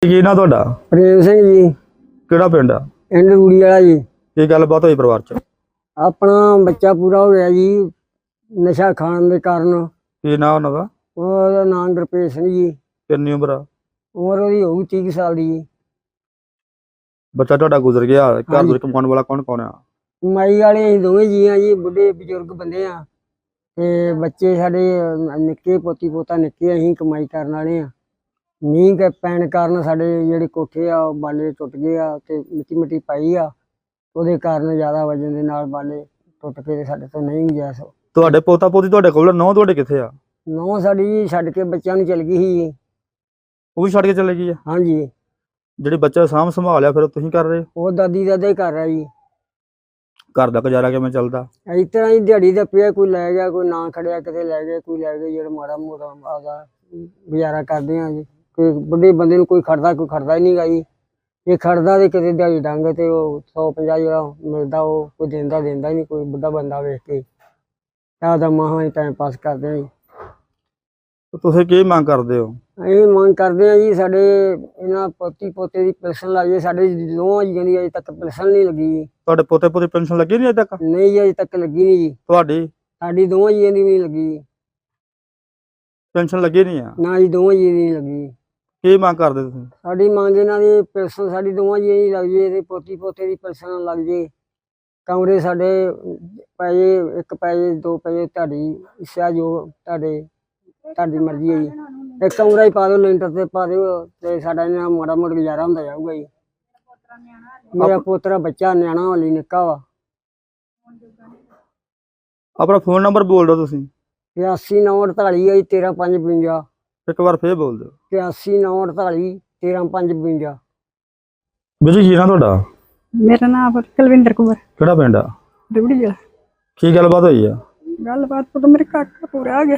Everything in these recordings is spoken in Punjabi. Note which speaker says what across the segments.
Speaker 1: ਕੀ ਨਾ ਤੁਹਾਡਾ?
Speaker 2: ਪ੍ਰੇਮ ਸਿੰਘ ਜੀ।
Speaker 1: ਕਿਹੜਾ ਪਿੰਡ ਆ?
Speaker 2: ਪਿੰਡ ਰੂੜੀ ਵਾਲਾ ਜੀ।
Speaker 1: ਕੀ ਗੱਲਬਾਤ ਹੋਈ ਪਰਿਵਾਰ ਚ?
Speaker 2: ਆਪਣਾ ਬੱਚਾ ਪੂਰਾ ਹੋ ਗਿਆ ਜੀ ਨਸ਼ਾ ਖਾਣ ਦੇ ਕਾਰਨ।
Speaker 1: ਕੀ ਨਾਂ ਉਹਨਾਂ ਦਾ?
Speaker 2: ਉਹਦਾ ਨਾਮ ਗੁਰਪ੍ਰੀਤ ਸਿੰਘ ਜੀ।
Speaker 1: ਕਿੰਨੀ ਉਮਰ ਆ?
Speaker 2: ਉਮਰ ਉਹਦੀ ਹੋਊ 30 ਸਾਲ ਦੀ ਜੀ।
Speaker 1: ਬੱਚਾ ਤੁਹਾਡਾ ਗੁਜ਼ਰ ਗਿਆ, ਘਰ ਦੇ ਕਮਾਉਣ ਵਾਲਾ ਕੌਣ ਕੌਣ ਆ?
Speaker 2: ਕਮਾਈ ਵਾਲੇ ਅਸੀਂ ਦੋਵੇਂ ਜੀ ਆ ਜੀ, ਬੁੱਢੇ ਬਜ਼ੁਰਗ ਬੰਦੇ ਆ ਤੇ ਬੱਚੇ ਸਾਡੇ ਨਿੱਕੇ, ਪੋਤੀ ਪੋਤਾ ਨਿੱਕੇ, ਅਸੀਂ ਕਮਾਈ ਕਰਨ ਵਾਲੇ ਆ। ਮੀਂਹ ਪੈਣ ਕਾਰਨ ਸਾਡੇ ਜਿਹੜੇ ਕੋਠੇ ਆ ਉਹ ਬਾਲੇ ਟੁੱਟ ਗਏ ਆ ਤੇ ਮਿੱਟੀ ਮਿੱਟੀ ਪਾਈ ਆ, ਉਹਦੇ ਕਾਰਨ ਜ਼ਿਆਦਾ ਵਜਨ ਦੇ ਨਾਲ ਬਾਲੇ ਟੁੱਟ ਕੇ ਤੇ ਸਾਡੇ ਤੋਂ ਨਹੀਂ ਗਿਆ। ਸੋ
Speaker 1: ਤੁਹਾਡੇ ਪੋਤਾ ਪੋਤੀ ਤੁਹਾਡੇ ਕੋਲ? ਨੌ ਤੁਹਾਡੇ ਕਿੱਥੇ ਆ?
Speaker 2: ਨੌਂ ਸਾਡੀ ਜੀ ਛੱਡ ਕੇ ਬੱਚਿਆਂ ਨੂੰ ਚਲ ਗਈ ਸੀ ਜੀ।
Speaker 1: ਉਹ ਵੀ ਛੱਡ ਕੇ ਚਲੇ ਗਈ ਆ?
Speaker 2: ਹਾਂਜੀ।
Speaker 1: ਜਿਹੜੀ ਬੱਚਾ ਸਾਂਭ ਸੰਭਾਲਿਆ ਫਿਰ ਤੁਸੀਂ ਕਰ ਰਹੇ?
Speaker 2: ਉਹ ਦਾਦੀ ਦਾਦਾ ਹੀ ਕਰ ਰਿਹਾ ਜੀ।
Speaker 1: ਘਰ ਦਾ ਗੁਜ਼ਾਰਾ ਕਿਵੇਂ ਚੱਲਦਾ?
Speaker 2: ਇਸ ਤਰ੍ਹਾਂ ਹੀ ਦਿਹਾੜੀ ਦਾ ਪਿਆ, ਕੋਈ ਲੈ ਗਿਆ, ਕੋਈ ਨਾ ਖੜਿਆ, ਕਿਤੇ ਲੈ ਗਏ, ਕੋਈ ਲੈ ਗਏ, ਜਿਹੜਾ ਮਾੜਾ ਮੋਟਾ ਆਪਦਾ ਗੁਜ਼ਾਰਾ ਕਰਦੇ ਆ ਜੀ। ਕੋਈ ਬੁੱਢੇ ਬੰਦੇ ਨੂੰ ਕੋਈ ਖੜਦਾ ਹੀ ਨਹੀਂ ਗਾ ਜੀ। ਜੇ ਖੜਦਾ ਤੇ ਕਿਤੇ ਦਿਹਾੜੀ ਡੰਗ ਤੇ ਉਹ 150 ਜਿਹੜਾ ਮਿਲਦਾ ਉਹ ਕੋਈ ਦਿੰਦਾ ਹੀ ਨਹੀਂ। ਕੋਈ ਬੁੱਢਾ ਬੰਦਾ ਵੇਖ ਕੇ ਆਪਦਾ ਮਹਾਂ ਹੀ ਟਾਈਮ ਪਾਸ ਕਰਦੇ ਆ ਜੀ।
Speaker 1: ਤੁਸੀਂ ਕੀ ਮੰਗ ਕਰਦੇ ਹੋ?
Speaker 2: ਅਸੀਂ ਮੰਗ ਕਰਦੇ ਆ ਜੀ ਸਾਡੇ ਇਹਨਾਂ ਪੋਤੀ ਪੋਤੇ ਦੀ ਪੈਨਸ਼ਨ ਲੱਗ ਜਾਏ। ਸਾਡੇ ਦੋਵਾਂ ਜੀਆਂ ਦੀ ਅਜੇ ਤੱਕ ਪੈਨਸ਼ਨ ਨਹੀਂ ਲੱਗੀ ਜੀ।
Speaker 1: ਤੁਹਾਡੇ ਪੋਤੇ ਪੋਤੀ ਪੈਨਸ਼ਨ ਲੱਗੀ ਨਹੀਂ ਅਜੇ ਤੱਕ?
Speaker 2: ਨਹੀਂ ਜੀ, ਅਜੇ ਤੱਕ ਲੱਗੀ ਨਹੀਂ ਜੀ।
Speaker 1: ਤੁਹਾਡੀ?
Speaker 2: ਸਾਡੀ ਦੋਵਾਂ ਜੀਆਂ ਦੀ ਵੀ ਨਹੀਂ ਲੱਗੀ।
Speaker 1: ਪੈਨਸ਼ਨ ਲੱਗੀ ਨਹੀਂ ਆ?
Speaker 2: ਨਾ ਜੀ, ਦੋਵਾਂ ਜੀਆਂ ਦੀ ਨਹੀਂ ਲੱਗੀ।
Speaker 1: ਕੀ ਮੰਗ ਕਰਦੇ ਤੁਸੀਂ?
Speaker 2: ਸਾਡੀ ਮੰਗ ਇਹਨਾਂ ਦੀ ਪੈਨਸ਼ਨ ਸਾਡੀ ਦੋਵਾਂ ਜੀਆਂ ਦੀ ਲੱਗ ਜੇ ਤੇ ਪੋਤੀ ਪੋਤੇ ਦੀ ਪੈਨਸ਼ਨ ਲੱਗ ਜੇ। ਕਮਰੇ ਸਾਡੇ ਪੈ ਜੇ, ਇੱਕ ਪੈ ਜੇ, ਦੋ ਪੈ ਜੇ, ਤੁਹਾਡੀ ਇੱਛਾ ਜੋ ਤੁਹਾਡੀ ਮਰਜ਼ੀ ਹੈ ਜੀ। ਇੱਕ ਕਮਰਾ ਹੀ ਪਾ ਦਿਓ, ਲੈਂਟਰ ਤੇ ਪਾ ਦਿਓ ਤੇ ਸਾਡਾ ਇਹਨਾਂ ਮਾੜਾ ਮੋਟਾ ਗੁਜ਼ਾਰਾ ਹੁੰਦਾ ਜਾਊਗਾ ਜੀ। ਮੇਰਾ ਪੋਤਰਾ ਬੱਚਾ ਨਿਆਣਾ ਵਾਲੀ ਨਿੱਕਾ ਵਾ।
Speaker 1: ਆਪਣਾ ਫੋਨ ਨੰਬਰ ਬੋਲ ਦਿਓ ਤੁਸੀਂ।
Speaker 2: 8948 ਹੈ ਜੀ 13552।
Speaker 1: ਇੱਕ ਵਾਰ ਫੇਰ ਬੋਲ ਦਿਓ।
Speaker 2: 8948 13552।
Speaker 1: ਵੀਰ ਜੀ ਕੀ ਨਾਂ ਤੁਹਾਡਾ?
Speaker 3: ਮੇਰਾ ਨਾਮ ਕੁਲਵਿੰਦਰ ਕੁਮਾਰ।
Speaker 1: ਕਿਹੜਾ ਪਿੰਡ ਆ?
Speaker 3: ਰੂੜੀ ਜ਼ਿਲ੍ਹਾ।
Speaker 1: ਕੀ ਗੱਲਬਾਤ ਹੋਈ ਆ?
Speaker 3: ਗੱਲਬਾਤ ਤੋਂ ਮੇਰੇ ਕਾਕਾ ਪੂਰਾ ਆ ਗਿਆ।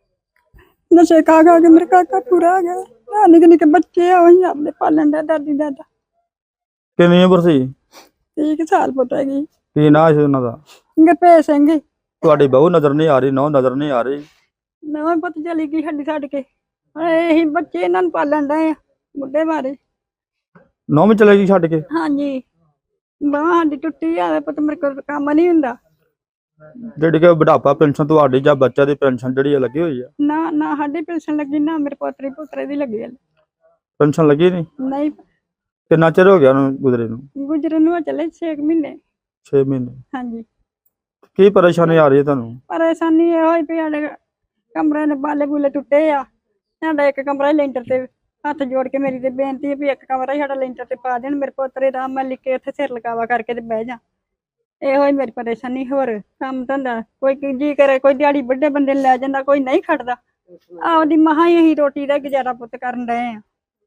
Speaker 3: ਨਸ਼ੇ ਖਾ ਕੇ ਮੇਰੇ ਕਾਕਾ ਪੂਰਾ ਆ ਗਿਆ। ਨਿੱਕੇ ਨਿੱਕੇ ਬੱਚੇ ਆ, ਉਹੀ ਆਪਣੇ ਪਾਲਣ ਦਾ ਦਾਦੀ ਦਾਦਾ।
Speaker 1: ਕਿੰਨੀ ਉਮਰ ਸੀ?
Speaker 3: 30 ਸਾਲ ਪੁੱਤ ਹੈਗੀ।
Speaker 1: ਕੀ ਨਾਂ ਸੀ ਉਹਨਾਂ ਦਾ?
Speaker 3: ਗੁਰਪ੍ਰੀਤ ਸਿੰਘ।
Speaker 1: ਤੁਹਾਡੀ ਬਹੂ ਨਜ਼ਰ ਨਹੀਂ ਆ ਰਹੀ, ਨੌ ਨਜ਼ਰ ਨਹੀਂ ਆ ਰਹੀ।
Speaker 3: ਨਵਾਂ ਪੁੱਤ ਚਲੀ ਗਈ ਸਾਡੀ ਛੱਡ ਕੇ। ਇਹੀ ਬੱਚੇ ਇਹਨਾਂ ਨੂੰ ਪਾਲਣ ਡਏ ਆ ਬੁੱਢੇ ਮਾਰੇ।
Speaker 1: ਨੌ ਵੀ ਚਲੇ ਗਈ ਛੱਡ ਕੇ?
Speaker 3: ਹਾਂਜੀ, ਬਾਂਹ ਸਾਡੀ ਟੁੱਟੀ ਆ ਪੁੱਤ, ਮੇਰੇ ਕੋਲ ਕੰਮ ਨਹੀਂ ਹੁੰਦਾ।
Speaker 1: ਜਿਹੜੀ ਕਿ ਬੁਢਾਪਾ ਪੈਨਸ਼ਨ ਤੁਹਾਡੀ ਜਾਂ ਬੱਚਾ ਦੀ ਪੈਨਸ਼ਨ ਜਿਹੜੀ ਆ ਲੱਗੀ ਹੋਈ ਆ?
Speaker 3: ਨਾ ਸਾਡੀ ਪੈਨਸ਼ਨ ਲੱਗੀ, ਨਾ ਮੇਰੇ ਪੁੱਤਰੇ ਦੀ ਲੱਗੀ।
Speaker 1: ਪੈਨਸ਼ਨ ਲੱਗੀ ਨਹੀਂ?
Speaker 3: ਨਹੀਂ।
Speaker 1: ਕਿੰਨਾ ਚਿਰ ਹੋ ਗਿਆ ਉਹਨੂੰ ਗੁਜ਼ਰੇ ਨੂੰ?
Speaker 3: ਗੁਜਰੇ ਨੂੰ ਚੱਲੇ 6 ਮਹੀਨੇ।
Speaker 1: 6 ਮਹੀਨੇ।
Speaker 3: ਹਾਂਜੀ।
Speaker 1: ਕੀ ਪਰੇਸ਼ਾਨੀ ਆ ਰਹੀ ਹੈ ਤੁਹਾਨੂੰ?
Speaker 3: ਪਰੇਸ਼ਾਨੀ ਇਹ ਹੋਈ ਵੀ ਸਾਡੇ ਕਮਰੇ ਦੇ ਬਾਲੇ ਬੂਲੇ ਟੁੱਟੇ ਆ। ਸਾਡਾ ਇੱਕ ਕਮਰਾ ਹੀ ਲੈਂਟਰ ਤੇ। ਹੱਥ ਜੋੜ ਕੇ ਮੇਰੀ ਤੇ ਬੇਨਤੀ ਹੈ ਵੀ ਇੱਕ ਕਮਰਾ ਹੀ ਸਾਡਾ ਲੈਂਟਰ ਤੇ ਪਾ ਦੇਣ। ਮੇਰੇ ਪੋਤਰੇ ਦਾ ਮੈਂ ਲਿਖ ਕੇ ਉੱਥੇ ਸਿਰ ਲਗਾਵਾ ਕਰਕੇ ਤੇ ਬਹਿ ਜਾ। ਇਹੋ ਹੀ ਮੇਰੀ ਪਰੇਸ਼ਾਨੀ। ਹੋਰ ਕੰਮ ਧੰਦਾ ਕੋਈ ਜੀ ਕਰੇ, ਕੋਈ ਦਿਹਾੜੀ ਵੱਡੇ ਬੰਦੇ ਨੂੰ ਲੈ ਜਾਂਦਾ, ਕੋਈ ਨਹੀਂ ਖੜਦਾ। ਆਪਦੀ ਮਹਾਂ ਹੀ ਅਸੀਂ ਰੋਟੀ ਦਾ ਗੁਜ਼ਾਰਾ ਪੁੱਤ ਕਰਨ ਡਏ ਆ।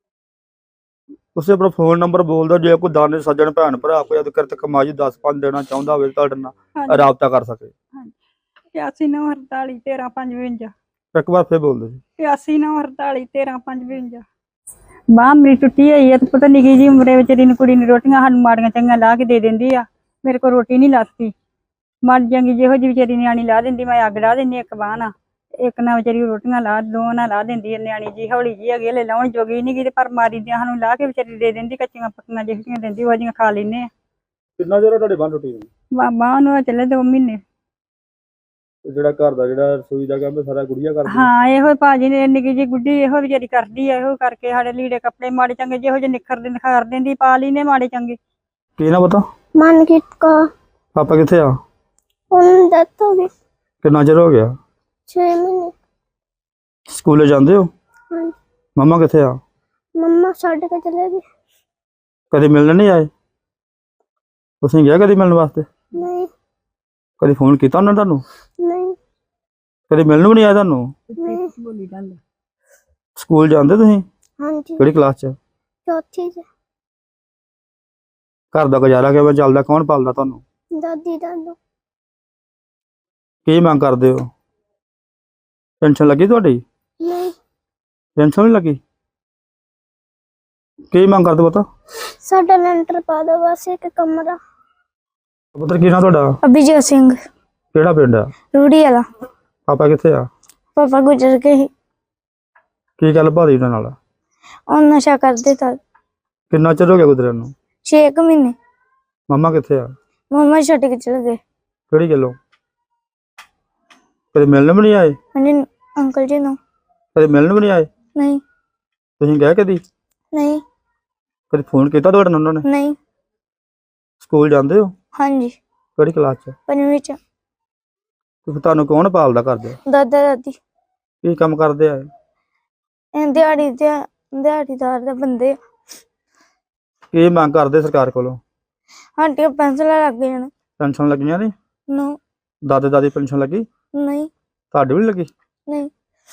Speaker 1: ਤੁਸੀਂ ਆਪਣਾ ਫੋਨ ਨੰਬਰ ਬੋਲ ਦਿਓ, ਜੇ ਕੋਈ ਦਾਨੇ ਸੱਜਣ ਭੈਣ ਭਰਾ ਕੋਈ ਅਦਕਰਤ ਕਮਾਈ 10-5 ਦੇਣਾ ਚਾਹੁੰਦਾ ਹੋਵੇ ਤੁਹਾਡੇ ਨਾਲ ਰਾਬਤਾ ਕਰ ਸਕੇ।
Speaker 3: 8948 13552।
Speaker 1: ਇੱਕ ਵਾਰ ਫੇਰ ਬੋਲ ਦਿਓ ਜੀ।
Speaker 3: 8948 13552। ਬਾਂਹ ਮੇਰੀ ਟੁੱਟੀ ਹੋਈ ਹੈ ਤੇ ਪਤਾ ਨਿੱਕੀ ਜੀ ਉਮਰੇ ਵਿਚਾਰੀ ਨੂੰ ਕੁੜੀ ਨੂੰ ਰੋਟੀਆਂ ਸਾਨੂੰ ਮਾੜੀਆਂ ਚੰਗੀਆਂ ਲਾ ਕੇ ਦੇ ਦਿੰਦੀ ਆ। ਮੇਰੇ ਕੋਲ ਰੋਟੀ ਨਹੀਂ ਲੱਥਦੀ। ਮਰ ਜਾਂਗੀ ਜਿਹੋ ਜਿਹੀ ਵਿਚਾਰੀ ਨਿਆਣੀ ਲਾ ਦਿੰਦੀ, ਮੈਂ ਅੱਗ ਲਾ ਦਿੰਦੀ। ਇੱਕ ਬਾਂਹ ਨਾਲ ਇੱਕ ਨਾਲ ਵਿਚਾਰੀ ਰੋਟੀਆਂ ਦੋ ਨਾਲ ਲਾ ਦਿੰਦੀ। ਨਿਆਣੀ ਜੀ ਹੌਲੀ ਜੀ ਹੈਗੀ, ਹਲੇ ਲਾਉਣ ਜੋਗੀ ਨਹੀਂ ਗੀ ਤੇ ਪਰ ਮਾਰੀ ਦੀਆਂ ਸਾਨੂੰ ਲਾ ਕੇ ਵਿਚਾਰੀ ਦੇ ਦਿੰਦੀ। ਕੱਚੀਆਂ ਪੱਕੀਆਂ ਜਿਹੜੀਆਂ ਦਿੰਦੀ ਉਹ ਜਿਹੀਆਂ ਖਾ ਲੈਂਦੇ ਆ।
Speaker 1: ਕਿੰਨਾ ਚਿਰ ਤੁਹਾਡੇ ਬਾਂਹ ਟੁੱਟੀ?
Speaker 3: ਬਾਂਹ ਨੂੰ ਚੱਲੇ 2 ਮਹੀਨੇ।
Speaker 1: ਜਿਹੜਾ ਘਰ ਦਾ ਜਿਹੜਾ ਰਸੋਈ ਦਾ ਕੰਮ ਸਾਰਾ ਗੁੜੀਆ ਕਰਦੀ?
Speaker 3: ਹਾਂ, ਇਹੋ ਭਾਜੀ ਨੇ ਨਿੱਕੀ ਜੀ ਗੁੱਡੀ ਇਹੋ ਵਿਚਾਰੀ ਕਰਦੀ ਆ। ਇਹੋ ਕਰਕੇ ਸਾਡੇ ਲੀੜੇ ਕੱਪੜੇ ਮਾੜੇ ਚੰਗੇ ਜਿਹੋ ਜਿਹੇ ਨਿਖਾਰ ਦਿੰਦੀ, ਪਾ ਲੈਂਦੇ ਮਾੜੇ ਚੰਗੇ।
Speaker 1: ਕੀ ਨਾ ਪਤਾ?
Speaker 4: ਮਨਕੀਤ ਕੌਰ।
Speaker 1: ਪਾਪਾ ਕਿੱਥੇ ਆ?
Speaker 4: ਹੁਣ ਡੈਥ ਹੋ ਗਈ।
Speaker 1: ਕਿੰਨਾ ਚਿਰ ਹੋ ਗਿਆ?
Speaker 4: 6 ਮਹੀਨੇ।
Speaker 1: ਸਕੂਲੇ ਜਾਂਦੇ ਹੋ?
Speaker 4: ਹਾਂਜੀ।
Speaker 1: ਮੰਮਾ ਕਿੱਥੇ ਆ?
Speaker 4: ਮੰਮਾ ਛੱਡ ਕੇ ਚਲੇ ਗਈ।
Speaker 1: ਕਦੇ ਮਿਲਣ ਨਹੀਂ ਆਏ? ਤੁਸੀਂ ਗਿਆ ਕਦੀ ਮਿਲਣ ਵਾਸਤੇ?
Speaker 4: ਨਹੀਂ।
Speaker 1: ਕਦੀ ਫੋਨ ਕੀਤਾ ਉਹਨਾਂ ਨੇ ਤੁਹਾਨੂੰ?
Speaker 4: ਨਹੀਂ।
Speaker 1: ਕਦੀ ਮਿਲਣ ਵੀ ਨਹੀਂ ਆਇਆ ਤੁਹਾਨੂੰ?
Speaker 4: ਨਹੀਂ।
Speaker 1: ਸਕੂਲ ਜਾਂਦੇ ਤੁਸੀਂ?
Speaker 4: ਹਾਂਜੀ।
Speaker 1: ਕਿਹੜੀ ਕਲਾਸ 'ਚ?
Speaker 4: ਚੌਥੀ ਚ।
Speaker 1: ਘਰ ਦਾ ਗੁਜ਼ਾਰਾ ਕਿਵੇਂ ਚੱਲਦਾ? ਕੌਣ ਪਾਲਦਾ ਤੁਹਾਨੂੰ?
Speaker 4: ਦਾਦੀ ਦਾਦੂ।
Speaker 1: ਕੀ ਮੰਗ ਕਰਦੇ ਹੋ? ਪੈਨਸ਼ਨ ਲੱਗੀ ਤੁਹਾਡੀ?
Speaker 4: ਨਹੀਂ।
Speaker 1: ਪੈਨਸ਼ਨ ਨਹੀਂ ਲੱਗੀ? ਕੀ ਮੰਗ ਕਰਦੇ ਪਤਾ?
Speaker 4: ਸਾਡਾ ਲੈਂਟਰ ਪਾ ਦੋ ਬਸ, ਇੱਕ ਕਮਰਾ।
Speaker 1: ਪੁੱਤਰ ਕੀ ਨਾਂ ਤੁਹਾਡਾ?
Speaker 4: ਅਭਿਜੋਤ ਸਿੰਘ।
Speaker 1: ਕਿਹੜਾ ਪਿੰਡ ਆ?
Speaker 4: ਰੂੜੀ ਵਾਲਾ।
Speaker 1: ਪਾਪਾ ਕਿੱਥੇ ਆ?
Speaker 4: ਪਾਪਾ ਗੁਜ਼ਰ ਗਏ ਸੀ।
Speaker 1: ਕੀ ਗੱਲ ਭਾਦੀ ਉਹਨਾਂ ਨਾਲ?
Speaker 4: ਉਹ ਨਸ਼ਾ ਕਰਦੇ ਤਾਂ
Speaker 1: ਕਿੰਨਾ ਚਿਰ ਹੋ ਗਿਆ ਗੁਜ਼ਰਿਆ ਨੂੰ?
Speaker 4: 6 ਮਹੀਨੇ।
Speaker 1: ਮੰਮਾ ਕਿੱਥੇ ਆ?
Speaker 4: ਮੰਮਾ ਛੱਡ ਕੇ ਚਲੇ ਗਏ।
Speaker 1: ਕਿਹੜੀ ਗੱਲੋਂ? ਕਦੇ ਮਿਲਣ ਵੀ ਨਹੀਂ ਆਏ?
Speaker 4: ਹਾਂਜੀ ਅੰਕਲ ਜੀ ਨੂੰ।
Speaker 1: ਕਦੇ ਮਿਲਣ ਵੀ ਨਹੀਂ ਆਏ?
Speaker 4: ਨਹੀਂ
Speaker 1: ਤੁਸੀਂ ਗਏ ਕਦੀ?
Speaker 4: ਨਹੀਂ
Speaker 1: ਕਦੇ ਫੋਨ ਕੀਤਾ ਤੁਹਾਡੇ ਨਾਲ ਉਹਨਾਂ ਨੇ?
Speaker 4: ਨਹੀਂ।
Speaker 1: ਸਕੂਲ ਜਾਂਦੇ ਹੋ?
Speaker 4: ਹਾਂਜੀ
Speaker 1: ਕਿਹੜੀ ਕਲਾਸ 'ਚ?
Speaker 4: 5ਵੀਂ ਚ।
Speaker 1: ਤੇ ਫਿਰ ਤੁਹਾਨੂੰ ਕੌਣ ਪਾਲਦਾ ਕਰਦੇ?
Speaker 4: ਦਾਦਾ ਦਾਦੀ
Speaker 1: ਕੀ ਕੰਮ ਕਰਦੇ ਆ?
Speaker 4: ਇਹ ਦਿਹਾੜੀਦਾਰ ਦੇ ਬੰਦੇ ਆ।
Speaker 1: ਕੀ ਮੰਗ ਕਰਦੇ ਸਰਕਾਰ ਕੋਲੋਂ?
Speaker 4: ਸਾਡੀਆਂ ਪੈਨਸਲਾਂ ਲੱਗ ਗਈਆਂ ਨੇ।
Speaker 1: ਪੈਨਸ਼ਨ ਲੱਗੀਆਂ ਨੇ?
Speaker 4: ਨੋ
Speaker 1: ਦਾਦੇ ਦਾਦੀ ਪੈਨਸ਼ਨ ਲੱਗੀ?
Speaker 4: ਨਹੀਂ
Speaker 1: ਤੁਹਾਡੀ ਵੀ ਨੀ ਲੱਗੀ?
Speaker 4: ਨਹੀਂ।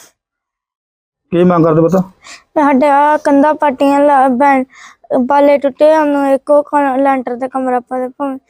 Speaker 1: ਕੀ ਮੰਗ ਕਰਦੇ ਪਤਾ?
Speaker 4: ਸਾਡੇ ਆ ਕੰਧਾਂ ਪਾਟੀਆਂ ਬਾਲੇ ਟੁੱਟੇ ਉਹਨੂੰ ਇੱਕੋ ਲੈਂਟਰ ਤੇ ਕਮਰਾ ਪਾ ਦੇ ਭਾਵੇਂ।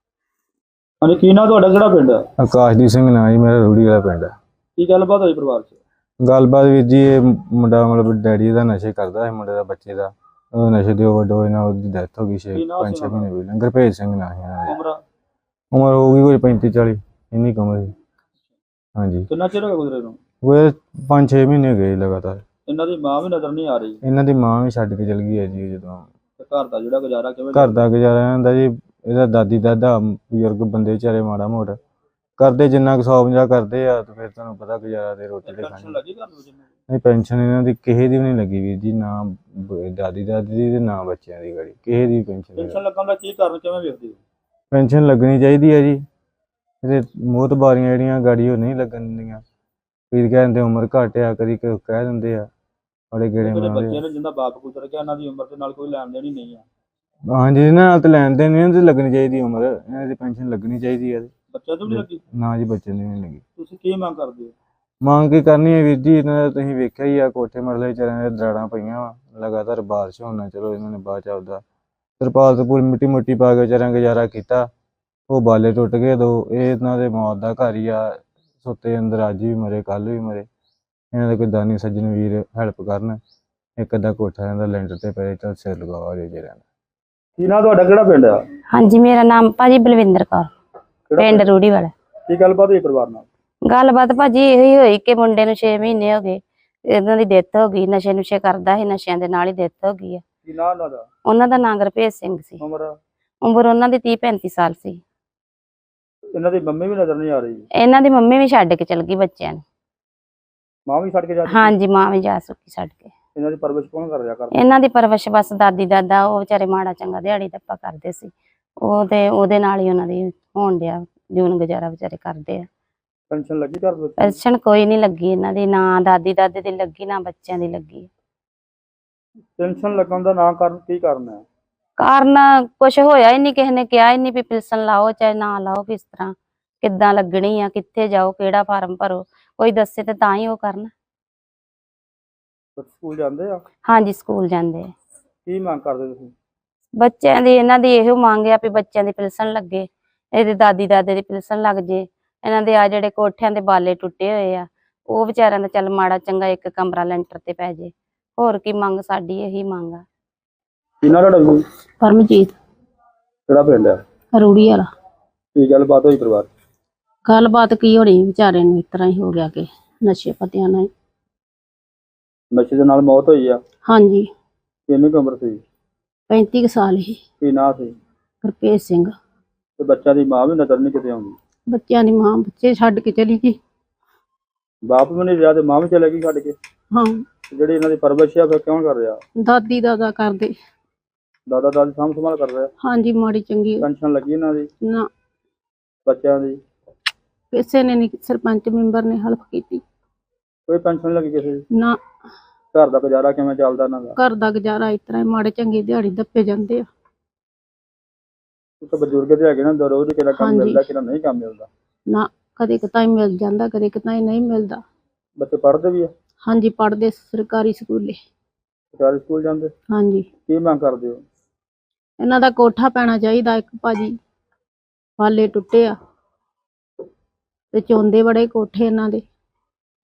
Speaker 1: ਹਾਂਜੀ, ਕੀ ਨਾਂ ਤੁਹਾਡਾ, ਕਿਹੜਾ ਪਿੰਡ ਆ?
Speaker 5: ਆਕਾਸ਼ਦੀਪ ਸਿੰਘ ਨਾਂ ਜੀ ਮੇਰਾ, ਰੂੜੀ ਵਾਲਾ ਪਿੰਡ ਆ।
Speaker 1: ਕੀ ਗੱਲਬਾਤ ਹੋਈ ਪਰਿਵਾਰ 'ਚ?
Speaker 5: ਗੱਲਬਾਤ ਵੀਰ ਜੀ, ਇਹ ਮੁੰਡਾ ਮਤਲਬ ਡੈਡੀ ਦਾ ਨਸ਼ੇ ਕਰਦਾ ਹੈ, ਮੁੰਡੇ ਦਾ ਬੱਚੇ ਦਾ ਉਹ ਨਸ਼ੇ ਦੇ ਓਵਰਡੋਜ਼ ਨਾਲ ਉਹਦੀ ਡੈਥ ਹੋ ਗਈ 5-6 ਮਹੀਨੇ ਪਹਿਲਾਂ। ਗੁਰਭੇਜ ਸਿੰਘ ਨਾਂ ਸੀ ਇਹਨਾਂ ਦਾ। ਉਮਰ ਹੋ ਗਈ ਕੋਈ 35-40 ਇੰਨੀ ਕੁ ਉਮਰ ਸੀ। ਹਾਂਜੀ।
Speaker 1: ਕਿੰਨਾ ਚਿਰ ਹੋ ਗਿਆ ਗੁਜ਼ਰੇ ਨੂੰ?
Speaker 5: ਉਹ 5-6 ਮਹੀਨੇ ਗਏ ਲਗਾਤਾਰ।
Speaker 1: ਇਹਨਾਂ ਦੀ ਮਾਂ ਵੀ ਨਜ਼ਰ ਨਹੀਂ ਆ ਰਹੀ?
Speaker 5: ਇਹਨਾਂ ਦੀ ਮਾਂ ਵੀ ਛੱਡ ਕੇ ਚਲ ਗਈ ਹੈ ਜੀ। ਜਦੋਂ
Speaker 1: ਤੇ ਘਰ ਦਾ ਜਿਹੜਾ ਗੁਜ਼ਾਰਾ ਕਿਵੇਂ?
Speaker 5: ਘਰ ਦਾ ਗੁਜ਼ਾਰਾ ਹੁੰਦਾ ਜੀ, ਇਹਦਾ ਦਾਦੀ ਦਾਦਾ ਬਜ਼ੁਰਗ ਬੰਦੇ ਵਿਚਾਰੇ ਮਾੜਾ ਮੋਟਾ ਕਰਦੇ, ਜਿੰਨਾ ਕੁ 150 ਕਰਦੇ ਆ, ਤੇ ਫਿਰ ਤੁਹਾਨੂੰ ਪਤਾ ਗੁਜ਼ਾਰਾ ਤੇ ਰੋਟੀ ਤੇ
Speaker 1: ਪੈਨਸ਼ਨ
Speaker 5: ਖਾਣੀ।
Speaker 1: ਲੱਗੀ ਘਰ ਨੂੰ?
Speaker 5: ਨਹੀਂ, ਪੈਨਸ਼ਨ ਇਹਨਾਂ ਦੀ ਕਿਸੇ ਦੀ ਵੀ ਨਹੀਂ ਲੱਗੀ ਵੀਰ ਜੀ, ਨਾ ਦਾਦੀ ਦਾਦੀ ਦੀ ਤੇ ਨਾ ਬੱਚਿਆਂ ਦੀ ਗਾੜੀ ਕਿਸੇ ਦੀ ਪੈਨਸ਼ਨ ਨਹੀਂ।
Speaker 1: ਪੈਨਸ਼ਨ ਲੱਗਣ ਦਾ ਕੀ ਕਾਰਨ ਕਿਵੇਂ ਵੇਖਦੇ ਹੋ?
Speaker 5: ਪੈਨਸ਼ਨ ਲੱਗਣੀ ਚਾਹੀਦੀ ਹੈ ਜੀ। ਇਹਦੇ ਮੋਹਤਬਾਰੀਆਂ ਜਿਹੜੀਆਂ ਗਾੜੀ ਉਹ ਨਹੀਂ ਲੱਗਣ ਦਿੰਦੀਆਂ। ਕਈ ਕਹਿੰਦੇ ਉਮਰ ਘੱਟ ਆ, ਕਦੀ ਕਹਿ ਦਿੰਦੇ ਆ ਬੜੇ ਗੇੜੇ
Speaker 1: ਜਿਹੜੇ
Speaker 5: ਮਾਰਦੇ
Speaker 1: ਬੱਚੇ
Speaker 5: ਆ।
Speaker 1: ਨੇ ਜਿੰਦਾ ਬਾਪ ਗੁਜ਼ਰ ਗਿਆ, ਇਹਨਾਂ ਦੀ ਉਮਰ ਦੇ ਨਾਲ ਕੋਈ ਲੈਣ ਦੇਣ ਹੀ ਨਹੀਂ ਆ।
Speaker 5: ਹਾਂਜੀ, ਇਹਨਾਂ ਨਾਲ ਤਾਂ ਲੈਣ ਦੇਣ ਨਹੀਂ, ਇਹਨਾਂ ਦੀ ਲੱਗਣੀ ਚਾਹੀਦੀ ਉਮਰ, ਇਹਨਾਂ ਦੀ ਪੈਨਸ਼ਨ ਲੱਗਣੀ ਚਾਹੀਦੀ ਹੈ।
Speaker 1: ਬੱਚਿਆਂ ਤੋਂ ਵੀ ਲੱਗੀ?
Speaker 5: ਨਾ ਜੀ, ਬੱਚੇ ਦੀ ਨਹੀਂ ਲੱਗੀ।
Speaker 1: ਤੁਸੀਂ ਕੀ ਮੰਗ ਕਰਦੇ ਹੋ?
Speaker 5: ਮੰਗ ਕੀ ਕਰਨੀ ਹੈ ਵੀਰ ਜੀ, ਇਹਨਾਂ ਦਾ ਤੁਸੀਂ ਵੇਖਿਆ ਹੀ ਆ, ਕੋਠੇ ਮਰਲੇ ਵਿਚਾਰਿਆਂ ਦੇ ਦਰਾੜਾਂ ਪਈਆਂ ਵਾ ਲਗਾਤਾਰ, ਬਾਰਿਸ਼ ਹੋਣਾ। ਚਲੋ ਇਹਨਾਂ ਨੇ ਬਾਅਦ ਚ ਆਪਦਾ ਤਰਪਾਲ ਤੋਂ ਪੂਰੀ ਮਿੱਟੀ ਮੁੱਟੀ ਪਾ ਕੇ ਵਿਚਾਰਿਆਂ ਗੁਜ਼ਾਰਾ ਕੀਤਾ। ਉਹ ਬਾਲੇ ਟੁੱਟ ਗਏ ਦੋ। ਇਹ ਇਹਨਾਂ ਦੇ ਮੌਤ ਦਾ ਘਰ ਹੀ ਆ, ਸੁੱਤੇ ਅੰਦਰ ਅੱਜ ਵੀ ਮਰੇ, ਕੱਲ ਵੀ ਮਰੇ। ਇਹਨਾਂ ਦੇ ਕੋਈ ਦਾਨੀ ਸੱਜਣ ਵੀਰ ਹੈਲਪ ਕਰਨ, ਇੱਕ ਅੱਧਾ ਕੋਠਾ ਇਹਨਾਂ ਦਾ ਲੈਂਟਰ ਤੇ ਪਏ ਤਾਂ ਸਿਰ ਲਗਾਵਾ ਜੇ ਰਹਿਣਾ।
Speaker 1: ਕੀ ਨਾਂ ਤੁਹਾਡਾ, ਕਿਹੜਾ ਪਿੰਡ ਆ?
Speaker 6: ਹਾਂਜੀ, ਮੇਰਾ ਨਾਮ ਭਾਜੀ ਬਲਵਿੰਦਰ ਕੌਰ, ਪਿੰਡ ਰੂੜੀ ਵਾਲਾ।
Speaker 1: ਕੀ ਗੱਲਬਾਤ ਹੋਈ ਪਰਿਵਾਰ ਨਾਲ?
Speaker 6: ਗੱਲਬਾਤ ਭਾਜੀ ਇਹੀ ਹੋਈ ਕਿ ਮੁੰਡੇ ਨੂੰ 6 ਮਹੀਨੇ ਹੋ ਗਏ, ਇਹਨਾਂ ਦੀ ਡੈਥ ਹੋ ਗਈ। ਨਸ਼ੇ ਨੁਸ਼ੇ ਕਰਦਾ ਸੀ, ਨਸ਼ਿਆਂ ਦੇ ਨਾਲ ਹੀ ਡੈਥ ਹੋ ਗਈ ਆ।
Speaker 1: ਕੀ ਨਾਂ ਉਹਨਾਂ ਦਾ?
Speaker 6: ਉਹਨਾਂ ਦਾ ਨਾਂ ਗੁਰਭੇਜ ਸਿੰਘ ਸੀ।
Speaker 1: ਉਮਰ?
Speaker 6: ਉਮਰ ਉਹਨਾਂ ਦੀ 30-35 ਸਾਲ ਸੀ।
Speaker 1: ਇਹਨਾਂ ਦੀ ਮੰਮੀ ਵੀ ਨਜ਼ਰ ਨਹੀਂ ਆ ਰਹੀ?
Speaker 6: ਇਹਨਾਂ ਦੀ ਮੰਮੀ ਵੀ ਛੱਡ ਕੇ ਚਲ ਗਈ ਬੱਚਿਆਂ ਨੂੰ।
Speaker 1: ਮਾਂ ਵੀ ਛੱਡ ਕੇ ਜਾ ਚੁੱਕੀ?
Speaker 6: ਹਾਂਜੀ, ਮਾਂ ਵੀ ਜਾ ਚੁੱਕੀ ਛੱਡ ਕੇ।
Speaker 1: ਇਹਨਾਂ ਦੀ ਪਰਵਰਿਸ਼ ਕੌਣ ਕਰ ਰਿਹਾ?
Speaker 6: ਇਹਨਾਂ ਦੀ ਪਰਵਰਿਸ਼ ਬਸ ਦਾਦੀ ਦਾਦਾ, ਉਹ ਵਿਚਾਰੇ ਮਾੜਾ ਚੰਗਾ ਦਿਹਾੜੀ ਧੱਪਾ ਕਰਦੇ ਸੀ, ਉਹ ਤੇ ਉਹਦੇ ਨਾਲ ਹੀ ਉਹਨਾਂ ਦੀ ਹੋਣ ਡਿਆ ਜੂਨ ਗੁਜ਼ਾਰਾ, ਵਿਚਾਰੇ ਕਰਦੇ ਆ।
Speaker 1: ਪੈਨਸ਼ਨ ਲੱਗੀ ਘਰ ਵਿੱਚ?
Speaker 6: ਪੈਨਸ਼ਨ ਕੋਈ ਨਹੀਂ ਲੱਗੀ ਇਹਨਾਂ ਦੀ, ਨਾ ਦਾਦੀ ਦਾਦੇ ਦੀ ਲੱਗੀ, ਨਾ ਬੱਚਿਆਂ ਦੀ ਲੱਗੀ।
Speaker 1: ਪੈਨਸ਼ਨ ਲੱਗਣ ਦਾ ਨਾ ਕਾਰਨ ਕੀ ਕਾਰਨ ਹੈ?
Speaker 6: ਕਾਰਨ ਕੁਛ ਹੋਇਆ ਹੀ ਨਹੀਂ, ਕਿਸੇ ਨੇ ਕਿਹਾ ਹੀ ਨਹੀਂ ਵੀ ਪੈਨਸ਼ਨ ਲਾਓ ਚਾਹੇ ਨਾ ਲਾਓ, ਕਿਸ ਤਰ੍ਹਾਂ ਕਿੱਦਾਂ ਲੱਗਣੀ ਆ, ਕਿੱਥੇ ਜਾਓ, ਕਿਹੜਾ ਫਾਰਮ ਭਰੋ, ਕੋਈ ਦੱਸੇ ਤੇ ਤਾਂ ਹੀ ਉਹ ਕਰਨ।
Speaker 1: ਸਕੂਲ ਜਾਂਦੇ ਆ?
Speaker 6: ਹਾਂਜੀ, ਸਕੂਲ ਜਾਂਦੇ ਆ।
Speaker 1: ਕੀ ਮੰਗ ਕਰਦੇ ਤੁਸੀਂ?
Speaker 6: ਬੱਚਿਆਂ ਦੀ ਇਹਨਾਂ ਦੀ ਇਹੋ ਮੰਗ ਆ ਵੀ ਬੱਚਿਆਂ ਦੀ ਪੈਨਸ਼ਨ ਲੱਗੇ, ਇਹਦੇ ਦਾਦੀ ਦਾਦੇ ਦੀ ਪੈਨਸ਼ਨ ਲੱਗ ਜੇ। ਇਹਨਾਂ ਦੇ ਆ ਜਿਹੜੇ ਕੋਠਿਆਂ ਦੇ ਬਾਲੇ ਟੁੱਟੇ ਹੋਏ ਆ, ਉਹ ਵਿਚਾਰਿਆਂ ਦਾ ਚੱਲ ਮਾੜਾ ਚੰਗਾ ਇੱਕ ਕਮਰਾ ਲੈਂਟਰ ਤੇ ਪੈ ਜੇ। ਹੋਰ ਕੀ ਮੰਗ, ਸਾਡੀ ਇਹੀ ਮੰਗ ਆ।
Speaker 1: ਕੀ ਨਾਂ ਤੁਹਾਡਾ?
Speaker 7: ਪਰਮਜੀਤ,
Speaker 1: ਕਿਹੜਾ ਪਿੰਡ ਆ?
Speaker 7: ਰੂੜੀ ਵਾਲਾ।
Speaker 1: ਕੀ ਗੱਲਬਾਤ ਹੋਈ ਪਰਿਵਾਰ 'ਚ?
Speaker 7: ਗੱਲਬਾਤ ਕੀ ਹੋਣੀ, ਵਿਚਾਰੇ ਨੂੰ ਇਸ ਤਰ੍ਹਾਂ ਹੀ ਹੋ ਗਿਆ ਕਿ ਨਸ਼ੇ ਪੱਤਿਆਂ ਨਾਲ।
Speaker 1: ਨਸ਼ੇ ਦੇ ਨਾਲ ਮੌਤ ਹੋਈ ਆ?
Speaker 7: ਹਾਂਜੀ,
Speaker 1: ਕਿੰਨੀ ਕੁ ਉਮਰ ਸੀ?
Speaker 7: 35 ਕੁ ਸਾਲ ਹੀ।
Speaker 1: ਕੀ ਨਾਂ ਸੀ?
Speaker 7: ਗੁਰਭੇਜ ਸਿੰਘ।
Speaker 1: ਤੇ ਬੱਚਿਆਂ ਦੀ ਮਾਂ ਵੀ ਨਜ਼ਰ ਨਹੀਂ ਕਿਤੇ ਆਉਂਦੀ?
Speaker 7: ਬੱਚਿਆਂ ਦੀ ਮਾਂ ਬੱਚੇ ਛੱਡ ਕੇ ਚਲੀ ਗਈ।
Speaker 1: ਬਾਪ ਵੀ ਨਹੀਂ ਰਿਹਾ ਤੇ ਮਾਂ ਵੀ ਚਲੇ ਗਈ ਛੱਡ ਕੇ?
Speaker 7: ਹਾਂ,
Speaker 1: ਜਿਹੜੀ ਇਹਨਾਂ ਦੀ ਪਰਵਰਿਸ਼ ਆ ਫਿਰ ਕੌਣ ਕਰ ਰਿਹਾ?
Speaker 7: ਦਾਦੀ ਦਾਦਾ ਕਰਦੇ।
Speaker 1: ਦਾਦਾ ਦਾਦੀ ਸਾਂਭ ਸੰਭਾਲ ਕਰ ਰਿਹਾ?
Speaker 7: ਹਾਂਜੀ, ਮਾੜੀ ਚੰਗੀ
Speaker 1: ਪੈਨਸ਼ਨ ਲੱਗੀ ਇਹਨਾਂ ਦੀ?
Speaker 7: ਨਾ,
Speaker 1: ਬੱਚਿਆਂ ਦੀ?
Speaker 7: ਕਿਸੇ ਨੇ ਨਹੀਂ, ਸਰਪੰਚ ਮੈਂਬਰ ਨੇ ਹੈਲਪ ਕੀਤੀ।
Speaker 1: ਕੋਈ ਪੈਨਸ਼ਨ ਨਹੀਂ ਲੱਗੀ ਕਿਸੇ ਦੀ?
Speaker 7: ਨਾ,
Speaker 1: ਘਰ ਦਾ ਗੁਜ਼ਾਰਾ ਕਿਵੇਂ ਚੱਲਦਾ ਇਹਨਾਂ ਦਾ?
Speaker 7: ਘਰ ਦਾ ਗੁਜ਼ਾਰਾ ਇਸ ਤਰ੍ਹਾਂ ਹੀ, ਮਾੜੇ ਚੰਗੇ ਦਿਹਾੜੀ ਦੱਪੇ ਜਾਂਦੇ ਆ।
Speaker 1: ਇੱਕ ਬਜ਼ੁਰਗ ਤੇ ਹੈਗੇ ਨਾ, ਰੋਜ਼ ਕਿਹੜਾ ਕੰਮ
Speaker 7: ਹਾਂਜੀ।
Speaker 1: ਮਿਲਦਾ, ਕਿਹੜਾ ਨਹੀਂ ਕੰਮ ਮਿਲਦਾ।
Speaker 7: ਨਾ, ਕਦੇ ਕਿਤਾਈ ਮਿਲ ਜਾਂਦਾ, ਕਦੇ ਕਿਤਾਈ ਨਹੀਂ ਮਿਲਦਾ।
Speaker 1: ਬੱਚੇ ਪੜ੍ਹਦੇ ਵੀ ਆ?
Speaker 7: ਹਾਂਜੀ, ਪੜ੍ਹਦੇ ਸਰਕਾਰੀ ਸਕੂਲੇ।
Speaker 1: ਸਰਕਾਰੀ ਸਕੂਲ ਜਾਂਦੇ?
Speaker 7: ਹਾਂਜੀ,
Speaker 1: ਕੀ ਮੰਗ ਕਰਦੇ ਹੋ?
Speaker 7: ਇਹਨਾਂ ਦਾ ਕੋਠਾ ਪੈਣਾ ਚਾਹੀਦਾ ਇੱਕ ਭਾਜੀ, ਬਾਲੇ ਟੁੱਟੇ ਆ ਤੇ ਚੌਂਦੇ ਬੜੇ ਕੋਠੇ ਇਹਨਾਂ ਦੇ।